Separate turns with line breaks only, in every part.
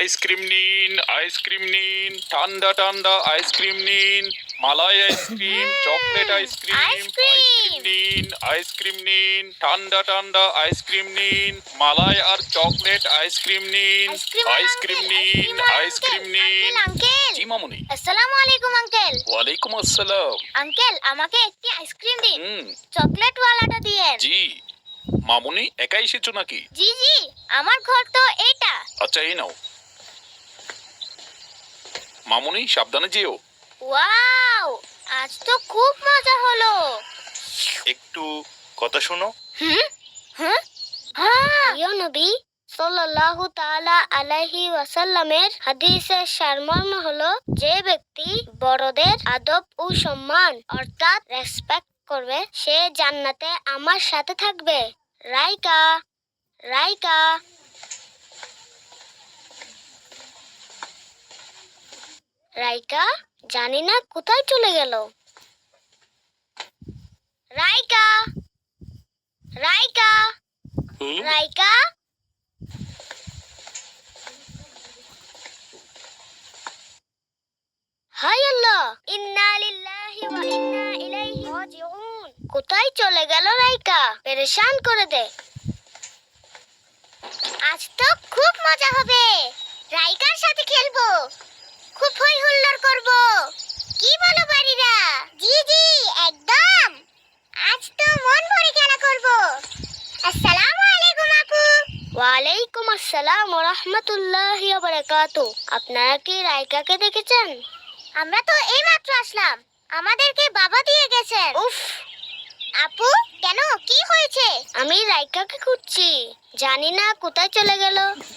Ice cream নিন, ice cream নিন, ঠান্ডা ঠান্ডা আইসক্রিম নিন, malai ice cream, chocolate ice cream, ice cream নিন, আইসক্রিম নিন, ঠান্ডা ঠান্ডা আইসক্রিম নিন, মালাই আর চকলেট আইসক্রিম নিন, আইসক্রিম নিন, আইসক্রিম নিন। জি মামুনি।
আসসালামু আলাইকুম আঙ্কেল।
ওয়ালাইকুম আসসালাম।
আঙ্কেল আমাকে একটি আইসক্রিম দিন,
হুম,
চকলেট ওয়ালাটা দিয়েন।
জি। মামুনি একা এসেছো নাকি?
জি জি, আমার ঘর তো এইটা।
আচ্ছা এই নাও। মামুনি সাবধানে যেও।
ওয়াও, আজ তো খুব মজা হলো।
একটু কথা শোনো।
হুম হুম হ্যাঁ, প্রিয় নবী সাল্লাল্লাহু তাআলা আলাইহি ওয়াসাল্লামের হাদিসের সারমর্ম হলো, যে ব্যক্তি বড়দের আদব ও সম্মান অর্থাৎ রেসপেক্ট করবে সে জান্নাতে আমার সাথে থাকবে। রাইকা রাইকা রাইকা জানি না কোথায় চলে গেল। রাইকা রাইকা রাইকা হাই আল্লাহ, ইন্না লিল্লাহি ওয়া ইন্না ইলাইহি রাজিউন। কোথায় চলে গেল রাইকা? পেরেশান করে দে। আজ তো খুব মজা হবে, রাইকার সাথে খেলবো, খুব হই হুল্লোড় করব। কি বলো বাড়িরা? জি জি একদম, আজ তো মন ভরে খেলা করব। আসসালামু আলাইকুম আপু। ওয়ালাইকুম আসসালাম ওয়া রাহমাতুল্লাহি ওয়া বারাকাতুহু। আপনারা কি রাইকাকে দেখেছেন? আমরা তো এইমাত্র আসলাম, আমাদেরকে বাবা দিয়ে গেছেন। উফ আপু, কেন কি হয়েছে? আমি রাইকাকে খুঁজছি, জানি না কোথায় চলে গেল।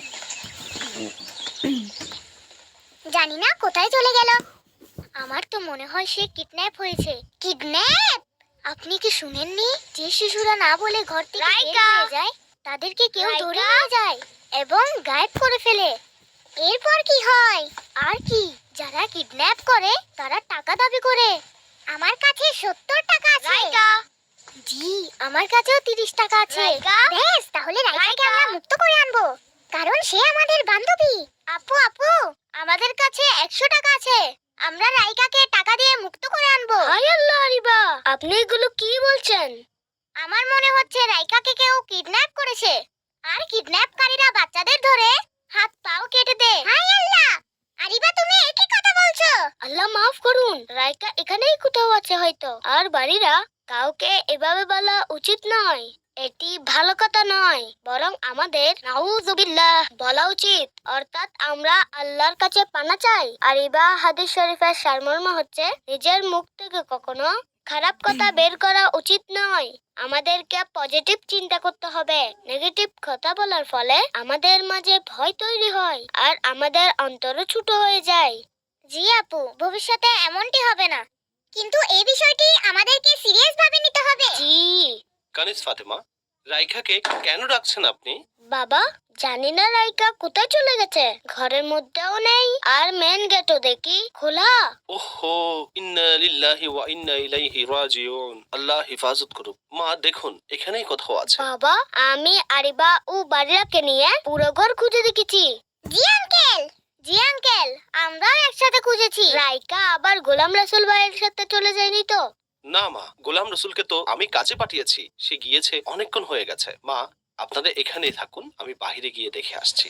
জানি না কোথায় চলে গেল। আমার তো মনে হয় সে কিডন্যাপ হয়েছে। কিডন্যাপ? আপনি কি শুনেননি যে শিশুরা না বলে ঘর থেকে বের হয়ে যায় তাদেরকে কেউ ধরে নিয়ে যায় এবং গায়েব করে ফেলে? এরপর কি হয়? আর কি, যারা কিডন্যাপ করে তারা টাকা দাবি করে। আমার কাছে 70 টাকা আছে। রাইকা জি, আমার কাছেও 30 টাকা আছে। বেশ, তাহলে রাইকাকে আমরা মুক্ত করে আনবো, কারণ সে আমাদের বান্ধবী। আপু আপু, আমাদের কাছে 100 টাকা আছে, আমরা রাইকাকে টাকা দিয়ে মুক্ত করে আনবো। হায় আল্লাহ আরিবা, আপনি এগুলো কি বলছেন? আমার মনে হচ্ছে রাইকাকে কেউ কিডন্যাপ করেছে, আর কিডন্যাপকারীরা বাচ্চাদের ধরে হাত পাও কেটে দেয়। হায় আল্লাহ আরিবা, তুমি একই কথা বলছো। আল্লাহ মাফ করুন, রাইকা এখানেই কোথাও আছে হয়তো। আর বাড়িরা, কাউকে এভাবে বলা উচিত নয়, এটি ভালো কথা নয়, বরং আমাদের নাউযুবিল্লাহ বলা উচিত, অর্থাৎ আমরা আল্লাহর কাছে পানা চাই। আর হাদিস শরীফের সারমর্ম হচ্ছে, নিজের মুখ থেকে কখনো খারাপ কথা বের করা উচিত নয়। আমাদেরকে পজিটিভ চিন্তা করতে হবে। নেগেটিভ কথা বলার ফলে আমাদের মাঝে ভয় তৈরি হয় আর আমাদের অন্তরও ছোট হয়ে যায়। জি আপু, ভবিষ্যতে এমনটি হবে না, কিন্তু এই বিষয়টি আমাদেরকে সিরিয়াস ভাবে নিতে হবে। জি
কানিজ ফাতেমা, রাইখাকে কেন রাখছেন আপনি?
বাবা, জানি না রাইকা কোথায় চলে গেছে, ঘরের মধ্যেও নেই আর মেন গেটও দেখি খোলা।
ওহো, ইন্না লিল্লাহি ওয়া ইন্না ইলাইহি রাজিউন। আল্লাহ হেফাজত করুক। মা দেখুন, এখানেই কোথাও আছে।
বাবা, আমি আরিবা ও বাড়িরাকে নিয়ে পুরো ঘর খুঁজে দেখেছি। জি আঙ্কেল, জি আঙ্কেল, আমরাও একসাথে খুঁজেছি। রাইকা আবার গোলাম রাসূল ভাইয়ের সাথে চলে যায়নি তো?
না মা, গোলাম রসুলকে তো আমি কাজে পাঠিয়েছি, সে গিয়েছে অনেকক্ষণ হয়ে গেছে। মা, আপনারা এখানেই থাকুন, আমি বাইরে গিয়ে দেখে আসছি।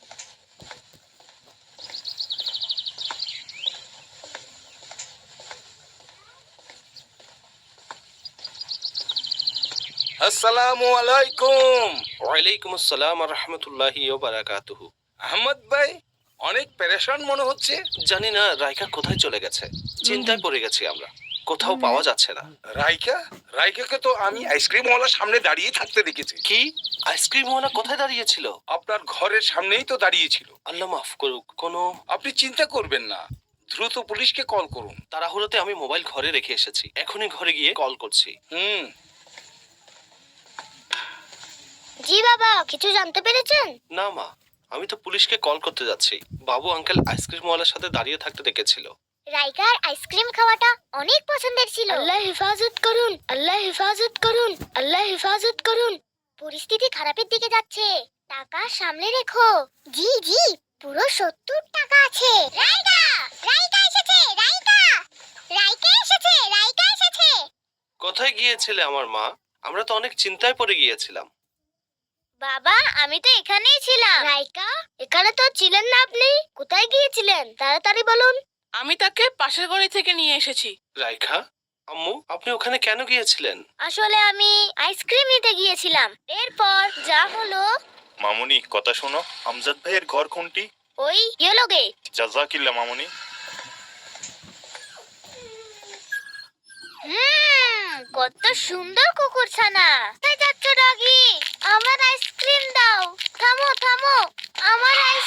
আসসালামু আলাইকুম।
ওয়ালাইকুম আসসালাম ওয়া রাহমাতুল্লাহি ওয়া বারাকাতুহু।
আহমদ ভাই, অনেক পেরেশান মনে হচ্ছে।
জানি না রাইকা কোথায় চলে গেছে, চিন্তায় পড়ে গেছি আমরা, কোথাও পাওয়া যাচ্ছে না।
রাইকাকে তো আমি আইসক্রিমওয়ালার সামনে দাঁড়িয়ে থাকতে দেখেছি।
কি? আইসক্রিমওয়ালা কোথায় দাঁড়িয়েছিল?
আপনার ঘরের সামনেই তো দাঁড়িয়েছিল।
আল্লাহ মাফ করুক, কোনো
আপনি চিন্তা করবেন না, দ্রুত পুলিশকে কল করুন।
তাড়াহুড়োতে আমি মোবাইল ঘরে রেখে এসেছি, এখনই ঘরে গিয়ে কল করছি।
জি বাবা, কিছু জানতে পেরেছেন?
না মা, আমি তো পুলিশকে কল করতে যাচ্ছি। বাবু আঙ্কেল আইসক্রিমওয়ালার সাথে দাঁড়িয়ে থাকতে দেখেছিল।
রাইকার আইসক্রিম খাওয়াটা অনেক পছন্দের ছিল। আল্লাহ হেফাজত করুন, আল্লাহ হেফাজত করুন, আল্লাহ হেফাজত করুন। পরিস্থিতি খারাপের দিকে যাচ্ছে, টাকা সামলে রেখো। জি জি, পুরো 70 টাকা আছে। রাইকা, রাইকা এসেছে, রাইকা, রাইকা এসেছে, রাইকা এসেছে।
কোথায় গিয়েছিলে আমার মা? আমরা তো অনেক চিন্তায় পড়ে গিয়েছিলাম।
বাবা, আমি তো এখানেই ছিলাম। রাইকা, এখানে তো ছিলেন না আপনি। কোথায় গিয়েছিলেন তাড়াতাড়ি বলুন।
আমি তাকে পাশের গলি থেকে নিয়ে এসেছি।
রাইখা, আম্মু, আপনি ওখানে কেন গিয়েছিলেন?
আসলে আমি আইসক্রিম নিতে গিয়েছিলাম। এরপর যা হলো,
মামুনি কথা শোনো, আমজাদ ভাইয়ের ঘর কোনটি?
ওই ইয়েলো গেট।
জাজাকিল্লা মামুনি।
কত সুন্দর কুকুরছানা। কোথায় যাচ্ছ ডগি? আমার আইসক্রিম দাও। থামো থামো, আমার